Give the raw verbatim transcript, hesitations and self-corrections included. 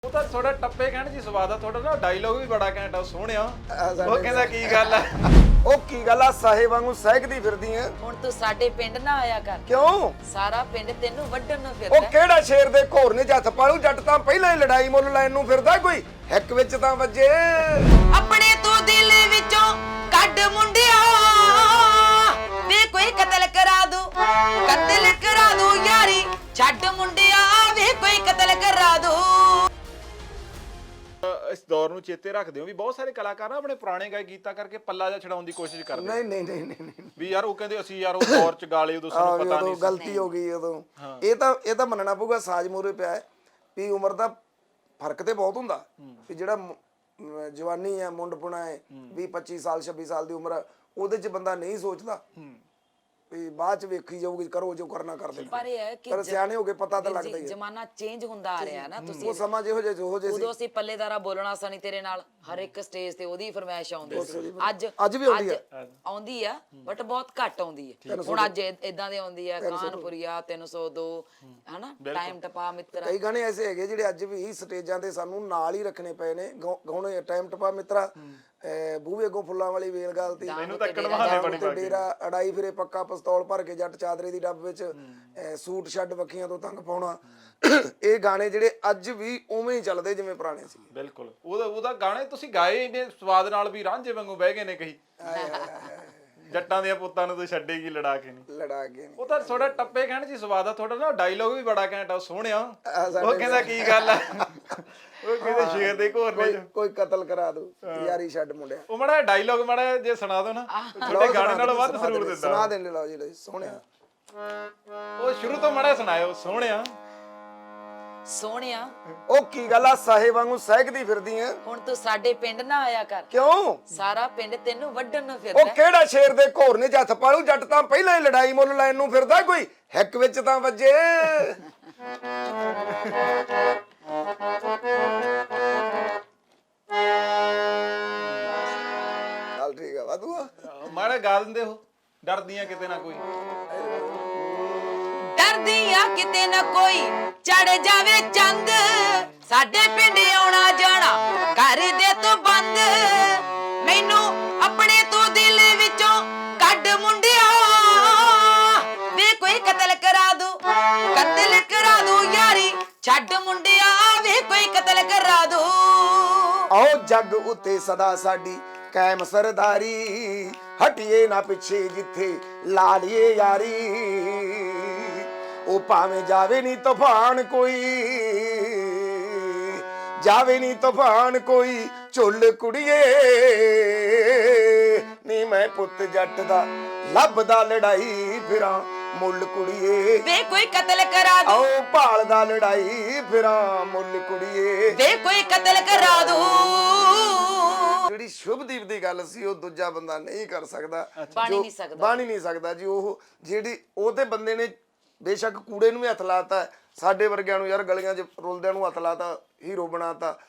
ਉਹ ਤਾਂ ਥੋੜਾ ਟੱਪੇ ਕਹਿਣ ਜੀ ਸਵਾਦ ਆ ਤੁਹਾਡਾ ਨਾ ਡਾਇਲੋਗ ਵੀ ਬੜਾ ਘੈਂਟ ਆ ਸੋਹਣਿਆ ਉਹ ਕਹਿੰਦਾ ਕੀ ਗੱਲ ਆ ਉਹ ਕੀ ਗੱਲ ਆ ਸਾਹੇ ਵਾਂਗੂ ਸਹਿਕਦੀ ਫਿਰਦੀ ਐ ਹੁਣ ਤੂੰ ਸਾਡੇ ਪਿੰਡ ਨਾ ਆਇਆ ਕਰ ਕਿਉਂ ਸਾਰਾ ਪਿੰਡ ਤੈਨੂੰ ਵੱਢਣ ਨੂੰ ਉਹ ਫਿਰਦਾ ਕਿਹੜਾ ਸ਼ੇਰ ਦੇ ਘੋਰ ਨੇ ਹੱਥ ਪਾਲੂ ਜੱਟ ਤਾਂ ਪਹਿਲਾਂ ਹੀ ਲੜਾਈ ਮੁੱਲ ਲੈਣ ਨੂੰ ਫਿਰਦਾ ਕੋਈ ਹਿੱਕ ਵਿੱਚ ਤਾਂ ਵੱਜੇ ਆਪਣੇ ਤੂੰ ਦਿਲ ਵਿੱਚੋਂ ਕੱਢ ਮੁੰਡਿਆ ਵੇ ਕੋਈ ਕਤਲ ਕਰਾ ਦੂ ਕਤਲ ਕਰਾ ਦੂ ਯਾਰੀ ਛੱਡ ਮੁੰਡਿਆ ਵੇ ਕੋਈ ਕਤਲ ਕਰਾ ਦੂ ਇਸ ਦੌਰ ਨੂੰ ਚੇਤੇ ਰੱਖਦੇ ਹੋ ਵੀ ਬਹੁਤ ਸਾਰੇ ਕਲਾਕਾਰ ਨਾ ਆਪਣੇ ਪੁਰਾਣੇ ਗਾਇ ਗੀਤਾਂ ਕਰਕੇ ਪੱਲਾ ਜਿਹਾ ਛਡਾਉਣ ਦੀ ਕੋਸ਼ਿਸ਼ ਕਰਦੇ ਨਹੀਂ ਨਹੀਂ ਨਹੀਂ ਨਹੀਂ ਵੀ ਯਾਰ ਉਹ ਕਹਿੰਦੇ ਅਸੀਂ ਯਾਰ ਉਹ ਦੌਰ ਚ ਗਾਲੇ ਉਦੋਂ ਸਾਨੂੰ ਪਤਾ ਉਦੋਂ ਨਹੀਂ ਗਲਤੀ ਹੋ ਗਈ ਉਦੋਂ ਇਹ ਤਾਂ ਇਹ ਤਾਂ ਮੰਨਣਾ ਪਊਗਾ ਸਾਜ ਮੂਰੇ ਪਿਆ ਹੈ ਵੀ ਉਮਰ ਦਾ ਫਰਕ ਤੇ ਬਹੁਤ ਹੁੰਦਾ ਵੀ ਜਿਹੜਾ ਮ- ਜਵਾਨੀ ਹੈ ਮੁੰਡਪੁਣਾ ਹੈ ਵੀਹ ਪੱਚੀ ਸਾਲ ਛੱਬੀ ਸਾਲ ਦੀ ਉਮਰ ਉਹਦੇ ਚ ਬੰਦਾ ਨਹੀਂ ਸੋਚਦਾ ਵੀ ਬਾਅਦ ਚ ਵੇਖੀ ਜਾਊਗੀ ਕਰੋ ਜੋ ਕਰਨਾ ਕਰਦੇ ਪਰ ਇਹ ਹੈ ਕਿ ਪਰ ਸਿਆਣੇ ਹੋ ਕੇ ਪਤਾ ਤਾਂ ਲੱਗਦਾ ਹੀ ਹੈ ਜ਼ਮਾਨਾ ਚੇਂਜ ਹੁੰਦਾ ਆ ਰਿਹਾ ਨਾ ਤੁਸੀਂ ਉਹ ਸਮਾਂ ਜਿਹੋ ਜਿਹਾ ਜਿਹੋ ਜਿਹੇ ਸੀ ਉਦੋਂ ਅਸੀਂ ਪੱਲੇਦਾਰਾ ਬੋਲਣਾ ਸਣੀ ਤੇਰੇ ਨਾਲ ਹਰ ਇੱਕ ਸਟੇਜ ਤੇ ਉਹਦੀ ਫਰਮਾਇਸ਼ ਆਉਂਦੀ ਸੀ ਅੱਜ ਅੱਜ ਵੀ ਆਉਂਦੀ ਅੱਜ ਆਉਂਦੀ ਆ ਬਟ ਬਹੁਤ ਘੱਟ ਆਉਂਦੀ ਹੈ ਹੁਣ ਅੱਜ ਇਦਾਂ ਦੇ ਆਉਂਦੀ ਆ ਕਾਨਪੁਰੀਆ ਤਿੰਨ ਸੌ ਦੋ ਹਨਾ ਟਾਈਮ ਟਪਾ ਮਿੱਤਰਾ ਕਈ ਗਾਣੇ ਐਸੇ ਹੈਗੇ ਜਿਹੜੇ ਅੱਜ ਵੀ ਸਟੇਜਾਂ ਤੇ ਸਾਨੂੰ ਨਾਲ ਹੀ ਰੱਖਣੇ ਪਏ ਨੇ ਗਾਉ- ਗਾਉਣੇ ਟਾਈਮ ਟਪਾ ਮਿੱਤਰਾ ਅਹ ਬੂਹੇ ਅੱਗੋਂ ਫੁੱਲਾਂ ਵਾਲੀ ਵੇਲ ਗੱਲ ਤੀ ਮੈਨੂੰ ਤੱਕਣ ਬਹਾਨੇ ਬਣੀ ਤੇ ਡੇਰਾ ਅੜਾਈ ਫਿਰੇ ਪੱਕਾ ਪਿਸਤੌਲ ਭਰ ਕੇ ਜੱਟ ਚਾਦਰੇ ਦੀ ਡੱਬ ਵਿੱਚ ਅਹ ਸੂਟ ਛੱਡ ਵੱਖੀਆਂ ਤੋਂ ਤੰਗ ਪਾਉਣਾ ਇਹ ਗਾਣੇ ਜਿਹੜੇ ਅੱਜ ਵੀ ਉਵੇਂ ਹੀ ਚੱਲਦੇ ਜਿਵੇਂ ਪੁਰਾਣੇ ਸੀ ਬਿਲਕੁਲ ਉਹਦਾ ਉਹਦਾ ਗਾਣੇ ਤੁਸੀਂ ਗਾਏ ਇੰਨੇ ਸਵਾਦ ਨਾਲ ਵੀ ਰਾਂਝੇ ਵਾਂਗੂ ਬਹਿ ਗਏ ਨੇ ਕਹੀ ਜੱਟਾਂ ਦੇ ਪੁੱਤਾਂ ਨੂੰ ਤੂੰ ਛੱਡੇਗੀ ਲੜਾ ਕੇ ਨਹੀਂ ਲੜਾ ਕੇ ਉਹ ਤਾਂ ਥੋੜਾ ਟੱਪੇ ਕਹਿਣ ਜੀ ਸਵਾਦ ਆ ਤੁਹਾਡਾ ਨਾ ਡਾਇਲੋਗ ਵੀ ਬੜਾ ਘੈਂਟ ਆ ਸੋਹਣਿਆ ਉਹ ਕਹਿੰਦਾ ਕੀ ਗੱਲ ਆ ਉਹ ਕਹਿੰਦੇ ਸ਼ੇਰ ਦੇ ਘੋਰ ਨੇ ਕੋਈ- ਕੋਈ ਕਤਲ ਕਰਾ ਦੂ ਯਾਰੀ ਛੱਡ ਮੁੰਡਿਆ ਉਹ ਮਾੜਾ ਡਾਇਲੋਗ ਮਾੜਾ ਜੇ ਸੁਣਾ ਦੋ ਨਾ ਤੁਹਾਡੇ ਗਾਣੇ ਨਾਲੋਂ ਵੱਧ ਸਰੂਰ ਦਿੰਦਾ ਸੁਣਾ ਦੇਣੇ ਲਓ ਜੀ ਸੋਹਣਿਆ ਉਹ ਸ਼ੁਰੂ ਤੋਂ ਮਾੜਾ ਸੁਣਾਇਓ ਸੋਹਣਿਆ ਸੋਹਣਿਆ ਉਹ ਕੀ ਗੱਲ ਆ ਸਾਹੇ ਵਾਂਗੂ ਸਹਿਕਦੀ ਫਿਰਦੀ ਐ ਹੁਣ ਤੂੰ ਸਾਡੇ ਪਿੰਡ ਨਾ ਆਇਆ ਕਰ ਕਿਉਂ ਸਾਰਾ ਪਿੰਡ ਤੈਨੂੰ ਵੱਢਣ ਨੂੰ ਉਹ ਫਿਰਦਾ ਕਿਹੜਾ ਸ਼ੇਰ ਦੇ ਘੋਰ ਨੇ ਹੱਥ ਪਾਲੂ ਜੱਟ ਤਾਂ ਪਹਿਲਾਂ ਹੀ ਲੜਾਈ ਮੁੱਲ ਲੈਣ ਨੂੰ ਫਿਰਦਾ ਕੋਈ ਹਿੱਕ ਵਿੱਚ ਤਾਂ ਵੱਜੇ ਚੱਲ ਠੀਕ ਆ ਵਾਦੂ ਮਾੜਾ ਗਾ ਦਿੰਦੇ ਹੋ ਡਰਦੀਆਂ ਕਿਤੇ ਨਾ ਕੋਈ ਡਰਦੀ ਆ ਕਿਤੇ ਨਾ ਕੋਈ ਚੜ ਜਾਵੇ ਚੰਦ ਸਾਡੇ ਪਿੰਡ ਆਉਣਾ ਜਾਣਾ ਕਰ ਦੇ ਤੂੰ ਬੰਦ ਮੈਨੂੰ ਆਪਣੇ ਤੂੰ ਦਿਲ ਵਿੱਚੋਂ ਕੱਢ ਮੁੰਡਿਆ ਵੇ ਕੋਈ ਕਤਲ ਕਰਾ ਦੂ ਕਤਲ ਕਰਾ ਦੂ ਯਾਰੀ ਛੱਡ ਮੁੰਡਿਆ ਵੇ ਕੋਈ ਕਤਲ ਕਰਾ ਦੂ ਆਓ ਜੱਗ ਉੱਤੇ ਸਦਾ ਸਾਡੀ ਕਾਇਮ ਸਰਦਾਰੀ ਹਟੀਏ ਨਾ ਪਿੱਛੇ ਜਿੱਥੇ ਲਾ ਲਈਏ ਯਾਰੀ ਉਹ ਭਾਵੇਂ ਜਾਵੇ ਨਹੀਂ ਤੂਫਾਨ ਕੋਈ ਜਾਵੇ ਨਹੀਂ ਤੂਫਾਨ ਕੋਈ ਝੁੱਲ ਕੁੜੀਏ ਨੀ ਮੈਂ ਪੁੱਤ ਜੱਟ ਦਾ ਲੱਭਦਾ ਲੜਾਈ ਫਿਰਾਂ ਮੁੱਲ ਕੁੜੀਏ ਵੇ ਕੋਈ ਕਤਲ ਕਰਾ ਦੂ ਆਓ ਭਾਲਦਾ ਲੜਾਈ ਫਿਰਾਂ ਮੁੱਲ ਕੁੜੀਏ ਵੇ ਕੋਈ ਕਤਲ ਕਰਾ ਦੂ ਜਿਹੜੀ ਸ਼ੁਭਦੀਪ ਦੀ ਗੱਲ ਸੀ ਉਹ ਦੂਜਾ ਬੰਦਾ ਨਹੀਂ ਕਰ ਸਕਦਾ ਬਣ ਹੀ ਨਹੀਂ ਸਕਦਾ ਬਣ ਹੀ ਨਹੀਂ ਸਕਦਾ ਜੀ ਉਹ ਜਿਹੜੀ ਉਹ ਤੇ ਬੰਦੇ ਨੇ ਬੇਸ਼ੱਕ ਕੂੜੇ ਨੂੰ ਵੀ ਹੱਥ ਲਾਤਾ ਸਾਡੇ ਵਰਗਿਆਂ ਨੂੰ ਯਾਰ ਗਲੀਆਂ 'ਚ ਰੁਲਦਿਆਂ ਨੂੰ ਹੱਥ ਲਾਤਾ ਹੀਰੋ ਬਣਾਤਾ